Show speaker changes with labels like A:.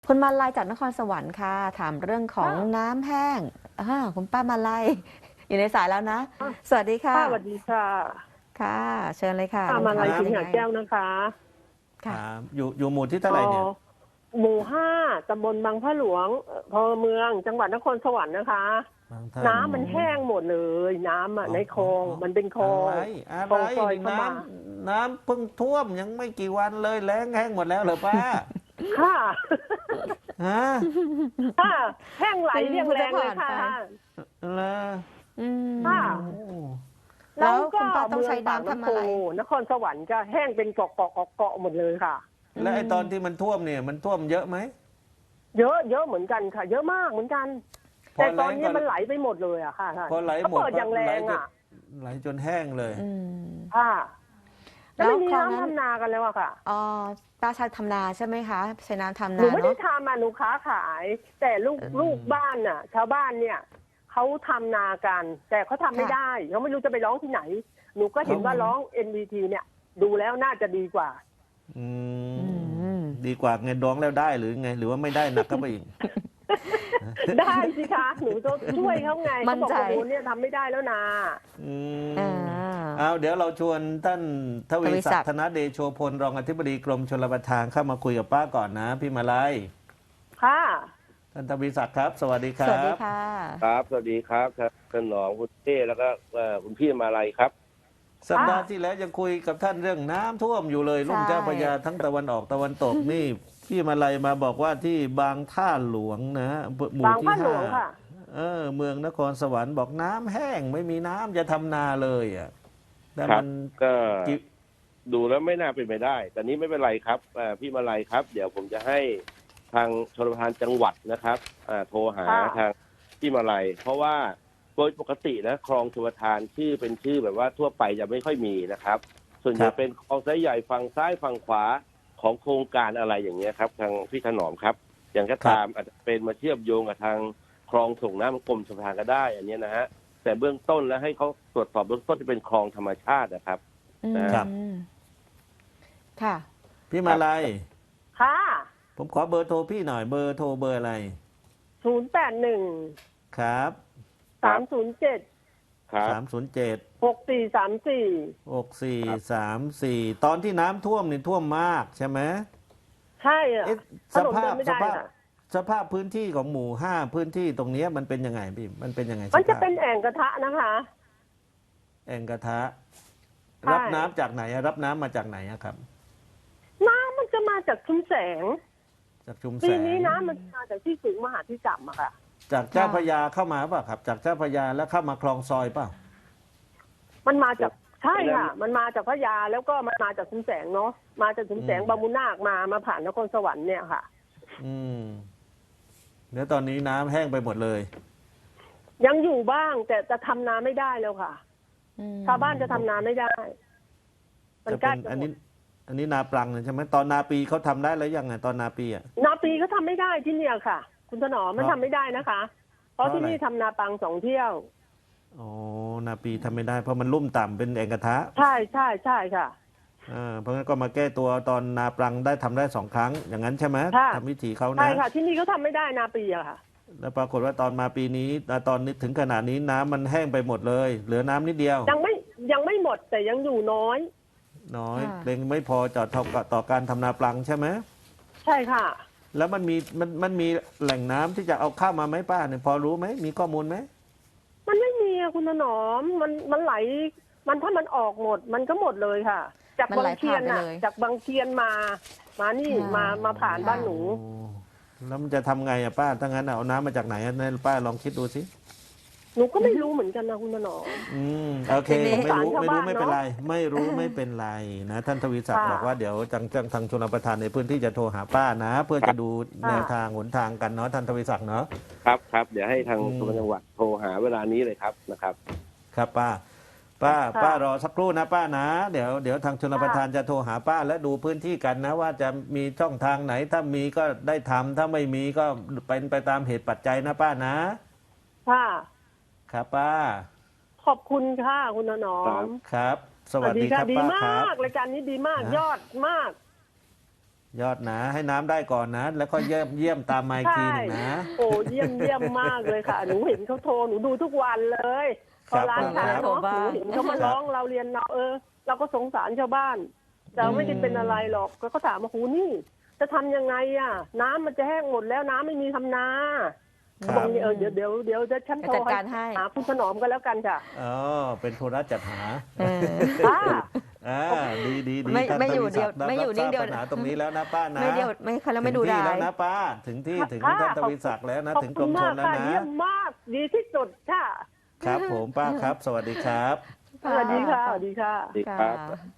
A: คุณมาลัยจากนครสวรรค์ค่ะถามเรื่องของ
B: ค่ะ
A: น้ำแห้งคุณป้ามาลัยอยู่ในสายแล้วนะสวัสดีค่ะ
B: สวัสดีค่ะ
A: ค่ะเชิญเลยค่ะ
B: ป้ามาลัย
A: คำถามเป็นยังไง
B: สิงหาแก้วนะคะ
A: ค่ะ
C: ครับอยู่หมู่ที่เท่า
B: อ๋อ
C: ไหร่เนี่ย
B: หมู่ 5ตำบลบางพระหลวงอำเภอเมืองจังหวัดนครสวรรค์นะคะ
C: บางท่าน
B: น้ำมันแห้งหมดเลย น้ำอ่ะ
C: อ๋อ
B: ในคลอง
C: อ๋ออ๋อ
B: มันเป็นคลอ
C: อะไร
B: งค
C: อะไร
B: ลองซอย
C: นี่
B: เข้ามา
C: น้ำเพิ่งท่วมยังไม่กี่วันเลยแล้งแห้งหมดแล้วเหรอป้า
B: ค่ะ
C: ฮะ
B: ค่ะแห้งไหลเรียงแรงเลยค่ะ
C: เหรอ
A: อืม
B: ค่ะ
C: โอ้
A: แล้ว
B: ก็
A: คุณป้าต้องใช้
B: เมืปาก
A: น้ำทำ
B: น้ำโพ
A: อะไร
B: นครสวรรค์ก็แห้งเป็นเกาะหมดเลยค่ะ
C: แล้วไอ้ตอนที่มันท่วมเนี่ยมันท่วมเยอะไหม
B: เยอะเยอะเหมือนกันค่ะ เยอะมากเหมือนกัน
C: พอ
B: แต่ตอน
C: แล้ง
B: นี้
C: ก็
B: มันไหลไปหมดเลยอะค่ะท่าน
C: พอไหล
B: เขา
C: หมด
B: เปิดอย่างแร
C: ไหล
B: ง
C: จน
B: อะ
C: ไหลจนแห้งเลย
A: อืม
B: ค่ะแล้วไม่มี
A: คลองนั้น
B: น้ำทำนากันแล้วอะค่ะ
A: อ๋อป้าใช้ทำนาใช่ไหมคะใช้น้ำทำ
B: หนู
A: นา
B: ไม่ได้
A: เนาะ
B: ทำอะหนูค้าขาย แต่ลูกบ้านน่ะ ชาวบ้านเนี่ยเขาทำนากัน แต่เขาทำไม่ได้เขาไม่รู้จะไปร้องที่ไหน หนูก็เห็นว่าร้อง NVT เนี่ย ดูแล้วน่าจะดีกว่า
C: อื
A: อื
C: ม
A: ม
C: ดีกว่าไงร้องแล้วได้หรือไง หรือว่าไม่ได้หนักก็ไปอีก
B: ได้สิคะหนูจะช่วยเขาไง
A: มั่
B: เขา
A: น
B: บอก
A: ใจ
B: ว่าโอ้เนี่ยทำไม่ได้แล้วนะ
C: อืม
A: อ่า
C: เอาเดี๋ยวเราชวนท่านทวี
A: ทวีศั
C: ศั
A: ก
C: ก
A: ดิ์
C: ดิ์ธนเดโชพลรองอธิบดีกรมชลประทานเข้ามาคุยกับป้าก่อนนะพี่มาลัย
B: ค่ะ
C: ท่านทวีศักดิ์ครับ สวัสดีค
A: ส
C: รั
A: วัสดี
C: บ
A: ค่ะ
D: ครับสวัสดีครับท่านหนองคุณเต้แล้วก็คุณพี่มาลัยครับ
C: สัปดาห์ที่แล้วยังคุยกับท่านเรื่องน้ำท่วมอยู่เลย
A: ใช่
C: ลุ่มเจ้าพระยาทั้งตะวันออกตะวันตกนี่ พี่มาลัยมาบอกว่าที่บางท่าหลวงนะหมู่
B: บาง
C: ที่
B: พระหล
C: ห้าว
B: งค่ะ
C: เมืองนครสวรรค์บอกน้ำแห้งไม่มีน้ำจะทำนาเลยอ่ะแต่
D: ครั
C: มั
D: บ
C: น
D: ก็
C: กิ
D: ดูแล้วไม่น่าเป็นไปได้ แต่นี้ไม่เป็นไรครับพี่มาลัยครับ เดี๋ยวผมจะให้ทางชลประทานจังหวัดนะครับโทรหา
B: ค่ะ
D: ทางพี่มาลัยเพราะว่าโดยปกตินะคลองชลประทานชื่อเป็นชื่อแบบว่าทั่วไปจะไม่ค่อยมีนะครับ ส่วนใหญ่เป็นคลองสายใหญ่ฝั่งซ้ายฝั่งขวาของโครงการอะไรอย่างเงี้ยครับ ทางพี่ถนอมครับ อย่างก็ตามอาจจะเป็นมาเชื่อมโยงกับทางคลองส่งน้ำกรมชลประทานก็ได้อันเนี้ยนะฮะแต่เบื้องต้นแล้วให้เขาตรวจสอบเบื้องต้นที่เป็นคลองธรรมชาตินะครับ
A: อืม
D: ครับ
A: ค่ะ
C: พี่มาลัย
B: ค่ะ
C: ผมขอเบอร์โทรพี่หน่อยเบอร์โทรเบอร์อะไร
B: 081
C: ครับ
B: 307
D: ครับ
C: 307
B: 6434
C: 6434ตอนที่น้ำท่วมนี่ท่วมมากใช่ไหม
B: ใช่อะ
C: เอ๊ะ
B: ถนนเดินไม่ได้ค่ะ
C: สภาพพื้นที่ของหมู่ห้าพื้นที่ตรงเนี้ยมันเป็นยังไงพี่มันเป็นยังไง
B: มันจะ
C: สภาพ
B: เป็นแอ่งกระทะนะคะ
C: แอ่งกระทะ
B: ใช่
C: รับน้ำจากไหนอะรับน้ำมาจากไหนอะครับ
B: น้ำมันจะมาจากชุมแสง
C: จากชุมแส
B: ปี
C: ง
B: นี้น้ำมันมาจากที่สูงมหาที่ต่ำอะค่ะ
C: จากเจ้าพระยาเข้ามาป่ะครับ จากเจ้าพระยาแล้วเข้ามาคลองซอยป่ะ
B: มันมาจากใช่ค่ะ มันมาจากพระยาแล้วก็มันมาจากชุมแสงเนาะมาจากชุมแสง
C: อืม
B: บางมุนาคมาผ่านนครสวรรค์เนี่ยค่ะ
C: อืมเดี๋ยวตอนนี้น้ำแห้งไปหมดเลย
B: ยังอยู่บ้างแต่จะทำนาไม่ได้แล้วค่ะ
A: อืม
B: ชาวบ้านจะทำนาไม่ได้ มัน
C: จะ
B: ใกล้
C: เป็น
B: จะ
C: อัน
B: หม
C: นี้
B: ด
C: อันนี้นาปลังใช่ไหมตอนนาปีเขาทำได้แล้วยังไงตอนนาปีอ่ะ
B: นาปีก็ทำไม่ได้ที่เนี่ยค่ะ คุณถนอมมัน
C: เพราะ
B: ทำไม่ได้นะคะ เพราะ
C: เพราะ
B: ที่นี่
C: อะไร
B: ทำนาปัง2 เที่ยว
C: อ๋อนาปีทำไม่ได้เพราะมันลุ่มต่ำเป็นแอ่งกระทะ
B: ใช่ใช่ใช่ค่ะ
C: เพราะงั้นก็มาแก้ตัวตอนนาปลังได้ทำได้2 ครั้ง อย่างนั้นใช่ไหม
B: ค่ะ
C: ทำวิธีเขา
B: ใช่
C: นะ
B: ค่ะ ที่นี่เขาทำไม่ได้นาปีอะค่ะ
C: แล้วปรากฏว่าตอนมาปีนี้ตอนนี้ถึงขนาดนี้น้ำมันแห้งไปหมดเลย เหลือน้ำนิดเดียว
B: ยังไม่หมดแต่ยังอยู่น้อย
C: น้อย
A: ค่ะ
C: เรงไม่พอจอดต่อการทำนาปลังใช่ไหม
B: ใช่ค่ะ
C: แล้วมันมีแหล่งน้ำที่จะเอาเข้ามาไหมป้าเนี่ยพอรู้ไหมมีข้อมูลไหม
B: มันไม่มีอะคุณถนอมมันไหล มันถ้ามันออกหมด มันก็หมดเลยค่ะ จาก
A: มัน
B: บา
A: ไหล
B: งเทียน
A: ผ่านไป
B: น่ะ
A: เลย
B: จากบางเทียนมานี่
A: ค่ะ
B: มาผ่านบ้านหนู
C: โอ้แล้วมันจะทำไงอะป้าถ้างั้นเอาน้ำมาจากไหนอะเนี่ยป้าลองคิดดูสิ
B: หนูก็ไม่รู้เหมือนกันนะคุณถนอม
C: โอเค
A: ทีนี้
C: ไม่รู้
B: สงสารชาวบ้าน
C: ไม่เป็นไร ไม่รู้ไม่เป็นไรนะท่านทวีศักดิ์
B: ค่ะ
C: บอกว่าเดี๋ยวทางชลประทานในพื้นที่จะโทรหาป้านะ เพื่อจะดู
B: ค่ะ
C: แนวทางหนทางกันเนาะท่านทวีศักดิ์เนาะ
D: ครับครับเดี๋ยวให้ทาง
C: อืม
D: จังหวัดโทรหาเวลานี้เลยครับนะครับ
C: ครับป้า
B: ค่ะ
C: ป้ารอสักครู่นะป้านะ เดี๋ยวทางชลประทานจะโทรหาป้าและดูพื้นที่กันนะ ว่าจะมีช่องทางไหนถ้ามีก็ได้ทำถ้าไม่มีก็เป็นไปตามเหตุปัจจัยนะป้านะ
B: ค่ะ
C: ครับป้า
B: ขอบคุณค่ะคุณถนอ
D: ครั
B: ม
D: บ
C: ครับ สวัสดีครับ
B: ดี
C: ป้าค
B: มา
C: รับ
B: กรายการนี้ดีมาก
C: นะ
B: ยอดมาก
C: ยอดนะให้น้ำได้ก่อนนะ แล้วก็เยี่ยมตามมาอีกทีหนึงนะ
B: โอ้เยี่ยมมากเลยค่ะ หนูเห็นเขาโทรหนูดูทุกวันเลยพ
C: ครั
B: อบ ร้านขาย
A: ผม
B: เนาะหนูเห็นเขามาร้องเราเรียนเราเราก็สงสารชาวบ้านแต่ไม่ได้เป็นอะไรหรอกแล้วก็ถามว่าหูนี่จะทำยังไงอ่ะ น้ำมันจะแห้งหมดแล้วน้ำไม่มีทำนา
C: ครับ
B: บอกเดี๋ยวจะฉันโทร
A: จัดการให้
B: หาคุณถนอมกันแล้วกันค่ะ
C: อ๋อเป็นธุระจัดหา
A: เออ
B: ป้า
C: อ่าดี
A: ไม่
C: ท่าน
A: ไม่อยู่
C: ทวีศัก
A: ไม่อยู่นิ่งเดียว
C: รับทราบปัญหาตรงนี้แล้วนะป้านะ
A: ไม่เดียวไม่เขาแล้วไม่ดู
C: ถึงที่
A: ดา
C: แล้ว
A: ย
C: นะป้าถึงที่ถึง
B: ค่ะ
C: ท่านทวีศักดิ์แล้วนะ
B: ขอบ
C: ถึงก
B: คุ
C: ร
B: ณ
C: มช
B: มาน ก
C: แล้ว
B: ค่ะ
C: นะ
B: เยี่ยมมากดีที่สุดค่ะ
C: ครับผมป้าครับ สวัสดีครับ
B: สวัสดีค่ะสวัสดีค่ะ
D: ดีครับ
A: ค่ะ